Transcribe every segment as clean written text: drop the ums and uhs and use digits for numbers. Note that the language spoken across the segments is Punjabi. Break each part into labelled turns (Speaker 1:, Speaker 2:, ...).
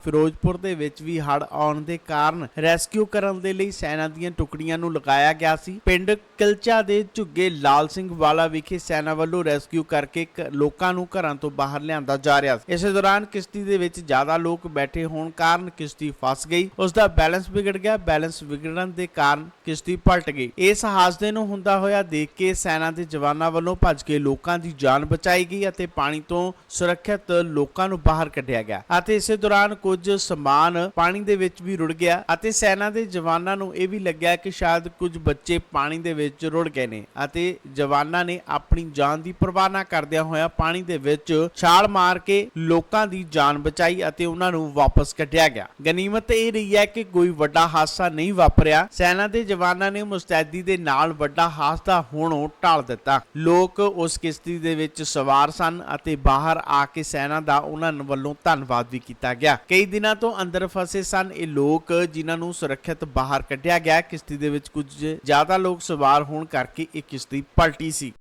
Speaker 1: ਫਿਰੋਜ਼ਪੁਰ ਦੇ ਵਿੱਚ ਵੀ ਹੜ੍ਹ ਆਉਣ ਦੇ ਕਾਰਨ ਰੈਸਕਿਊ ਕਰਨ ਦੇ ਲਈ ਸੈਨਾ ਦੀਆਂ ਟੁਕੜੀਆਂ ਨੂੰ ਲਗਾਇਆ ਗਿਆ ਸੀ। ਪਿੰਡ ਕਿਲਚਾ ਦੇ ਝੁੱਗੇ ਲਾਲ ਸਿੰਘ ਵਾਲਾ ਵਿਖੇ ਸੈਨਾ ਵੱਲੋਂ ਰੈਸਕਿਊ ਕਰਕੇ ਲੋਕਾਂ ਨੂੰ ਘਰਾਂ ਤੋਂ ਬਾਹਰ ਲਿਆਂਦਾ ਜਾ ਰਿਹਾ ਸੀ। ਇਸੇ ਦੌਰਾਨ ਕਿਸ਼ਤੀ ਦੇ ਵਿੱਚ ਜ਼ਿਆਦਾ ਲੋਕ ਬੈਠੇ ਹੋਣ ਕਾਰਨ ਕਿਸ਼ਤੀ ਫਸ ਗਈ। ਉਸ ਦਾ ਬੈਲੈਂਸ ਵਿਗੜ ਗਿਆ। ਬੈਲੈਂਸ ਵਿਗੜਨ ਦੇ ਕਾਰਨ ਕਿਸ਼ਤੀ ਪਲਟ ਗਈ। ਇਸ ਹਾਦਸੇ ਨੂੰ ਹੁੰਦਾ ਹੋਇਆ ਦੇਖ ਕੇ ਸੈਨਾ ਦੇ ਜਵਾਨਾਂ ਵੱਲੋਂ ਭੱਜ ਕੇ ਲੋਕਾਂ ਦੀ ਜਾਨ ਬਚਾਈ ਗਈ ਅਤੇ ਪਾਣੀ ਤੋਂ ਸੁਰੱਖਿਅਤ ਲੋਕਾਂ ਨੂੰ ਬਾਹਰ ਕੱਢਿਆ ਗਿਆ ਅਤੇ ਇਸੇ ਦੌਰਾਨ ਕੁਝ ਸਮਾਨ ਪਾਣੀ ਦੇ ਵਿੱਚ ਵੀ ਰੁੜ ਗਿਆ ਅਤੇ ਸੈਨਾ ਦੇ ਜਵਾਨਾਂ ਨੂੰ ਇਹ ਵੀ ਲੱਗਿਆ ਕਿ ਸ਼ਾਇਦ ਕੁਝ ਬੱਚੇ ਪਾਣੀ ਦੇ ਵਿੱਚ ਰੁੜ ਗਏ ਨੇ ਅਤੇ ਜਵਾਨਾਂ ਨੇ ਆਪਣੀ ਜਾਨ ਦੀ ਪਰਵਾਹ ਨਾ ਕਰਦਿਆਂ ਹੋਇਆ ਪਾਣੀ ਦੇ ਵਿੱਚ ਛਾਲ ਮਾਰ ਕੇ ਲੋਕਾਂ ਦੀ ਜਾਨ ਬਚਾਈ ਅਤੇ ਉਹਨਾਂ ਨੂੰ ਵਾਪਸ ਕੱਢਿਆ ਗਿਆ। ਗਨੀਮਤ ਇਹ ਰਹੀ ਹੈ ਕਿ ਕੋਈ ਵੱਡਾ ਹਾਦਸਾ ਨਹੀਂ ਵਾਪਰਿਆ। ਸੈਨਾ ਦੇ ਜਵਾਨਾਂ ਨੇ ਮੁਸਤੈਦੀ ਦੇ ਨਾਲ ਵੱਡਾ ਹਾਦਸਾ ਹੋਣੋਂ ਟਾਲ ਦਿੱਤਾ। ਲੋਕ ਉਸ ਕਿਸ਼ਤੀ ਦੇ ਵਿੱਚ ਸਵਾਰ ਸਨ ਅਤੇ ਬਾਹਰ ਆ ਕੇ ਸੈਨਾ ਦਾ ਉਹਨਾਂ ਵੱਲੋਂ ਧੰਨਵਾਦ ਵੀ ਕੀਤਾ ਗਿਆ। ਕਈ ਦਿਨਾਂ ਤੋਂ ਅੰਦਰ ਫਸੇ ਸਨ ਇਹ ਲੋਕ ਜਿਨ੍ਹਾਂ ਨੂੰ ਸੁਰੱਖਿਅਤ ਬਾਹਰ ਕੱਢਿਆ ਗਿਆ। ਕਿਸ਼ਤੀ ਦੇ ਵਿੱਚ ਕੁਝ ਜ਼ਿਆਦਾ ਲੋਕ ਸਵਾਰ ਹੋਣ ਕਰਕੇ ਇਹ ਕਿਸ਼ਤੀ ਪਲਟੀ ਸੀ।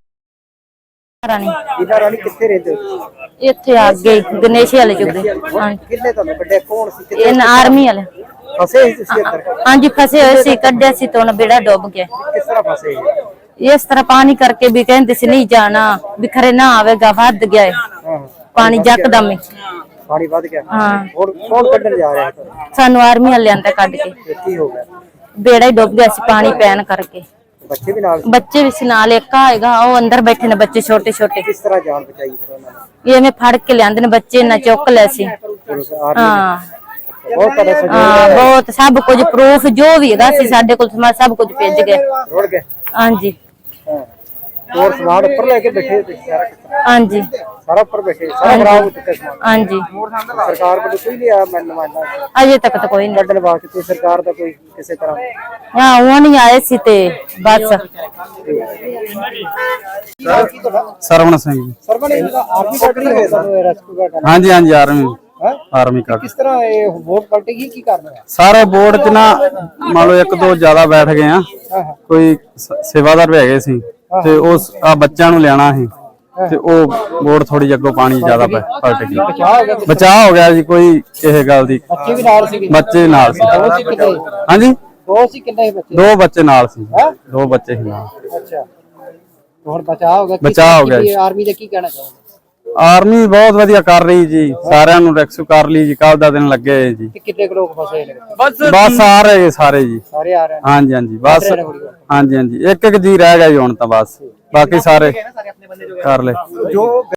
Speaker 2: ਰਾਣੀ ਕਿੱਥੇ ਰਹਿੰਦੇ ਹੋ?
Speaker 3: ਇੱਥੇ ਅੱਗੇ ਗਣੇਸ਼ ਵਾਲੇ ਚੁੱਕੇ
Speaker 2: ਕਿੰਨੇ ਤੁਹਾਨੂੰ ਕੱਢਿਆ? ਕੌਣ ਸੀ?
Speaker 3: ਇਹ ਆਰਮੀ ਵਾਲੇ
Speaker 2: ਫਸੇ ਸੀ ਤੁਸੀਂ ਅੰਦਰ?
Speaker 3: ਹਾਂਜੀ ਫਸੇ ਹੋਏ ਸੀ। ਕੱਢਿਆ ਸੀ ਤਾਂ ਬੇੜਾ ਡੁੱਬ ਗਿਆ।
Speaker 2: ਕਿਸ ਤਰ੍ਹਾਂ ਫਸੇ?
Speaker 3: ਇਸ ਤਰ੍ਹਾਂ ਪਾਣੀ ਕਰਕੇ ਵੀ ਕਹਿੰਦੇ ਸੀ ਨਹੀਂ ਜਾਣਾ, ਬਿਖਰੇ ਨਾ ਆਵੇਗਾ, ਵੱਧ ਗਿਆ ਹੈ ਪਾਣੀ ਜੱਕਦਮ ਹੀ।
Speaker 2: ਪਾਣੀ ਵੱਧ ਗਿਆ।
Speaker 3: ਹਾਂ।
Speaker 2: ਹੋਰ ਕੌਣ ਕੱਢਣ ਜਾ ਰਿਹਾ?
Speaker 3: ਸਾਨੂੰ ਆਰਮੀ ਵਾਲਿਆਂ ਨੇ ਕੱਢ ਕੇ
Speaker 2: ਕੀ ਹੋ ਗਿਆ?
Speaker 3: ਬੇੜਾ ਹੀ ਡੁੱਬ ਗਿਆ ਸੀ ਪਾਣੀ ਪੈਣ ਕਰਕੇ।
Speaker 2: ਬੱਚੇ ਵੀ ਨਾਲ?
Speaker 3: ਬੱਚੇ ਵੀ ਸੀ ਨਾਲ। ਇੱਕ ਆਏਗਾ ਉਹ ਅੰਦਰ ਬੈਠੇ ਨੇ ਬੱਚੇ ਛੋਟੇ ਛੋਟੇ।
Speaker 2: ਕਿਸ ਤਰ੍ਹਾਂ ਜਾਨ ਬਚਾਈ ਫਿਰ ਉਹਨਾਂ ਨੇ?
Speaker 3: ਐਵੇਂ ਫੜ ਕੇ ਲਿਆਂਦੇ ਨੇ ਬੱਚੇ ਨਾ ਚੁੱਕ ਲੈ ਸੀ। ਹਾਂ ਬਹੁਤ ਸਭ ਕੁਝ ਪ੍ਰੂਫ ਜੋ ਵੀ ਹੈਗਾ ਸੀ ਸਾਡੇ ਕੋਲ ਸਭ ਕੁਝ ਭੇਜ ਗਏ।
Speaker 2: ਰੁੜ ਗਏ?
Speaker 3: ਹਾਂਜੀ।
Speaker 2: ਹੋਰ ਸਮਾਨ ਉੱਪਰ ਲੈ ਕੇ ਬੈਠੇ ਤੁਸੀਂ ਸਾਰਾ?
Speaker 3: ਹਾਂਜੀ
Speaker 2: ਸਾਰਾ ਉੱਪਰ ਬੈਠੇ? ਸਾਰਾ ਖਰਾਬ ਹੋ ਚੁੱਕਾ ਸਮਾਨ?
Speaker 3: ਹਾਂਜੀ।
Speaker 2: ਸਰਕਾਰ ਵੱਲੋਂ ਕੋਈ ਨਹੀਂ ਆਇਆ ਨੁਮਾਇੰਦਾ?
Speaker 3: ਅਜੇ ਤੱਕ ਤਾਂ ਕੋਈ ਨਹੀਂ
Speaker 2: ਕੱਢਣ ਵਾਸਤੇ ਕੋਈ ਸਰਕਾਰ ਦਾ ਕੋਈ ਕਿਸੇ ਤਰ੍ਹਾਂ?
Speaker 3: ਹਾਂ ਉਹ ਨਹੀਂ ਆਏ ਸੀ ਤੇ ਬਸ।
Speaker 4: ਸਰਵਣ ਸਿੰਘ।
Speaker 2: ਸਰਵਣ ਆਰਮੀ ਕੱਢ ਰਹੀ ਹੈ ਤੁਹਾਨੂੰ ਰੈਸਕਿਊ ਕਰਨ?
Speaker 4: ਹਾਂਜੀ ਹਾਂਜੀ ਆਰਮੀ ਕੱਢ।
Speaker 2: ਕਿਸ ਤਰ੍ਹਾਂ ਇਹ ਵੋਟ ਪਲਟੇਗੀ? ਕੀ ਕਰਨਾ ਹੈ?
Speaker 4: ਸਾਰੇ ਬੋਰਡ ਚ ਨਾ ਮੰਨ ਲਓ ਇੱਕ ਦੋ ਜ਼ਿਆਦਾ ਬੈਠ ਗਏ ਆ। ਕੋਈ ਸੇਵਾਦਾਰ ਵੀ ਹੈਗੇ ਸੀ ਤੇ ਉਸ ਆ ਬੱਚਿਆਂ ਨੂੰ ਲਿਆਣਾ ਸੀ ਤੇ ਉਹ ਬੋਰਡ ਥੋੜੀ ਅੱਗੋਂ ਪਾਣੀ ਜ਼ਿਆਦਾ ਪਲਟ ਗਈ। ਬਚਾਅ ਹੋ ਗਿਆ ਜੀ। ਕੋਈ ਇਹ ਗੱਲ ਦੀ।
Speaker 2: ਬੱਚੇ ਵੀ ਨਾਲ ਸੀ?
Speaker 4: ਬੱਚੇ ਨਾਲ ਸੀ। ਹਾਂਜੀ
Speaker 2: ਦੋ ਸੀ? ਕਿੰਨੇ ਬੱਚੇ?
Speaker 4: ਦੋ ਬੱਚੇ ਨਾਲ ਸੀ। ਦੋ ਬੱਚੇ ਸੀ ਨਾਲ।
Speaker 2: ਅੱਛਾ ਹੋਰ ਬਚਾਅ ਹੋ ਗਿਆ?
Speaker 4: ਬਚਾਅ ਹੋ ਗਿਆ।
Speaker 2: ਆਰਮੀ ਦਾ ਕੀ ਕਹਿਣਾ ਚਾਹੁੰਦੇ?
Speaker 4: ਆਰਮੀ ਬਹੁਤ ਵਧੀਆ ਕਰ ਰਹੀ ਜੀ। ਸਾਰਿਆਂ ਨੂੰ ਰੈਸਕਿਊ ਕਰ ਲਈ ਜੀ। ਕੱਲ ਦਾ ਦਿਨ ਲੱਗੇ ਜੀ।
Speaker 2: ਕਿੰਨੇ ਲੋਕ ਫਸੇ ਨੇ?
Speaker 4: ਬਸ ਆ ਰਹੇ ਸਾਰੇ ਜੀ।
Speaker 2: ਸਾਰੇ ਆ ਰਹੇ?
Speaker 4: ਹਾਂਜੀ ਹਾਂਜੀ ਬਸ। ਹਾਂਜੀ ਹਾਂਜੀ ਇੱਕ ਜੀ ਰਹਿ ਗਿਆ ਜੀ ਹੁਣ ਤਾਂ ਬਸ। ਬਾਕੀ ਸਾਰੇ ਕਰ ਲੈ।